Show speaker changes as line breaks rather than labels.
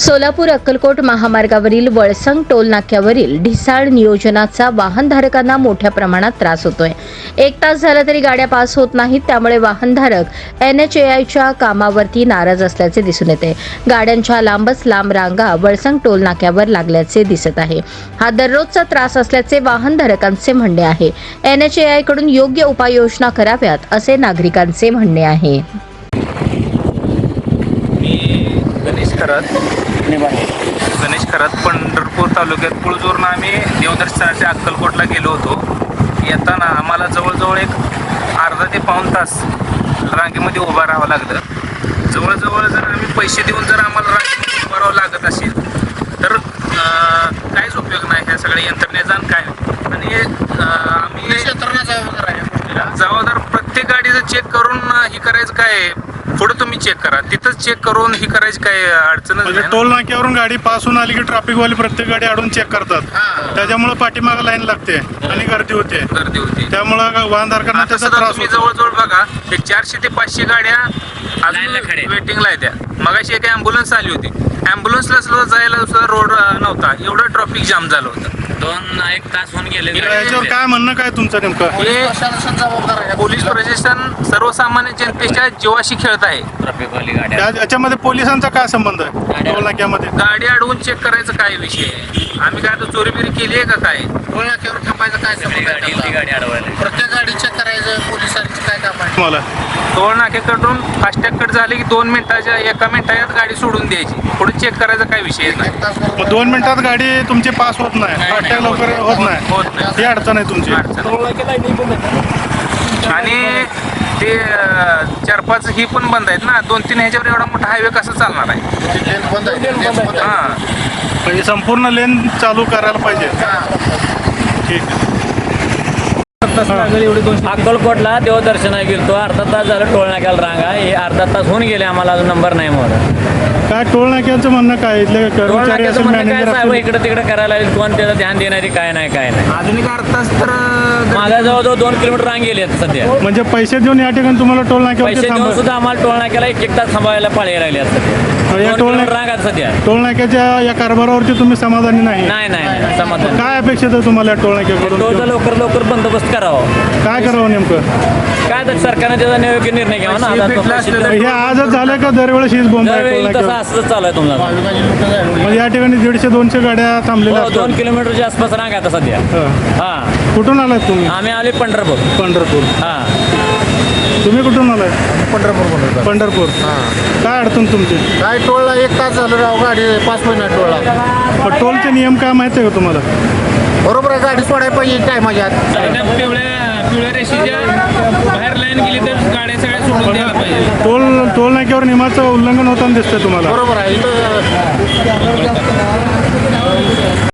सोलापूर अक्कलकोट महामार्गावरील वळसंग टोल नाक्यावरील ढिसाळ नियोजनाचा वाहनधारकांना मोठ्या प्रमाणात त्रास होतोय। 1 तास झाला तरी गाड्या पास होत नाहीत, त्यामुळे वाहनधारक NHAIच्या कामावरती नाराज असल्याचे दिसून येते। गाड्यांच्या लांबच लांब रांगा वळसंग टोल नाक्यावर लागल्याचे दिसत आहे। हा दररोजचा त्रास असल्याचे वाहनधारकांचे म्हणणे आहे। NHAI कडून योग्य उपाययोजना कराव्यात असे नागरिकांचे म्हणणे आहे।
गणेश खरात पंढरपूर तालुक्यात कुळजोरनं आम्ही देवदर्शनाच्या अक्कलकोटला गेलो होतो। येताना आम्हाला जवळजवळ एक अर्धा ते पाऊण तास रांगेमध्ये उभं राहावं लागलं। जवळजवळ जर आम्ही पैसे देऊन जर आम्हाला रांगेमध्ये उभं राहावं लागत असेल तर काहीच उपयोग नाही ह्या सगळ्या यंत्रणेचा काय। आणि आम्ही जबाबदार प्रत्येक गाडीचं चेक करून ही करायचं काय, पुढे तुम्ही चेक करा, तिथंच चेक करून ही करायची काय अडचणच नाही।
टोल नाक्यावरून गाडी पास होऊन आली की ट्रॅफिकवाले प्रत्येक गाडी अडून चेक करतात, त्याच्यामुळे पाठीमागे लाईन लागते आणि गर्दी होते। त्यामुळे वाहनधारकांना त्याचा त्रास होतो।
जवळजवळ बघा एक 400 ते 500 गाड्या वेटिंगला आहेत। मगाशी एक ॲम्ब्युलन्स आली होती, ॲम्ब्युलन्सला सुद्धा जायला सुद्धा रोड नव्हता, एवढं ट्रॅफिक जाम झालं होतं।
2-1 तास होऊन गेले।
याच्यावर काय म्हणणं काय तुमचं नेमकं?
पोलीस प्रशासन सर्वसामान्य जनतेच्या जीवाशी खेळत आहे।
ट्रॅफिकवाली गाड्या
याच्यामध्ये पोलिसांचा काय संबंध आहे टोल नाक्यामध्ये?
गाडी अडवून चेक करायचं काय विषय आहे? आम्ही काय आता चोरीबिरी केली आहे का काय? टोल नाक्यावर थांबायचं काय संबंध आहे?
गाडी अडवायला
प्रत्येक गाडी चेक करायचं पोलिसांचं काय काम आहे?
तुम्हाला
टोल नाक्याकडून फास्टॅग कट झाले की 2 मिनिटाच्या 1 मिनिटात गाडी सोडून द्यायची, पुढे चेक करायचा काय विषय नाही।
मग 2 मिनिटात गाडी तुमची पास होत नाही, फास्टॅग लवकर होत नाही, ही अडचण आहे तुमची।
आणि ते 4-5 ही पण बंद आहेत ना, 2-3 ह्याच्यावर एवढा मोठा हायवे कसं चालणार आहे? हां,
म्हणजे संपूर्ण लेन चालू करायला पाहिजे। ठीक आहे।
अक्कलकोटला देवदर्शनाला गेलतो, अर्धा तास झालं टोल नाक्याला रांगा, हे अर्धा तास होऊन गेले, आम्हाला अजून नंबर नाही मोर।
काय टोल नाक्याचं म्हणणं काय? इथले
टोल
कर्मचारी
नाक्याचं
असेल,
म्हणणं काय
मॅनेजर
साहेब,
असेल,
इकडे तिकडे करायला लागेल, कोण त्याचं ध्यान देणारी काय नाही काय नाही।
आधुनिक अर्थात तर
माझ्या जवळजवळ 2 किलोमीटर रांग गेली आहेत सध्या।
म्हणजे पैसे देऊन या ठिकाणी तुम्हाला टोल
पैसे
नाक्यावर
देऊन सुद्धा आम्हाला टोल नाक्याला 1-1 तास थांबायला पाळी लागली आहेत सध्या।
या
2
टोल
किलोमीटर रांग आहेत सध्या।
टोल नाक्याच्या या कारभारावरती तुम्ही समाधानी नाही?
नाही समाधान।
काय अपेक्षित आहे तुम्हाला टोल नाक्याकडून?
टोलचा लवकर बंदोबस्त करावा।
काय करावं नेमकं?
काय तर सरकारने त्याचा योग्य निर्णय घ्यावा ना।
हे आजच झालं का दरवेळेस हीच बोंब आहे टोल
तसं
नाक्यावर?
असंच चालू आहे तुम्हाला।
म्हणजे या ठिकाणी 150-200 गाड्या थांबलेल्या असतात?
2 किलोमीटरच्या आसपास रांग आता सध्या। हा,
कुठून आलात तुम्ही?
आम्ही आले पंढरपूर।
पंढरपूर।
हा,
तुम्ही कुठून आलाय? पंढरपूर। काय अडचण तुमची?
काय टोळला 1 तास झालं राव, गाडी 5 मिनिट टोळला।
पण टोलचे नियम काय माहिती आहे का तुम्हाला?
बरोबर आहे, गाडी सोडायला पाहिजे काय माझ्यात।
पिवळ्या रेषेच्या बाहेर लाईन गेली तर गाड्या सगळ्या सोडून द्यायला पाहिजे।
टोल नाक्यावर नियमाचं उल्लंघन होताना दिसतंय तुम्हाला?
बरोबर आहे इथं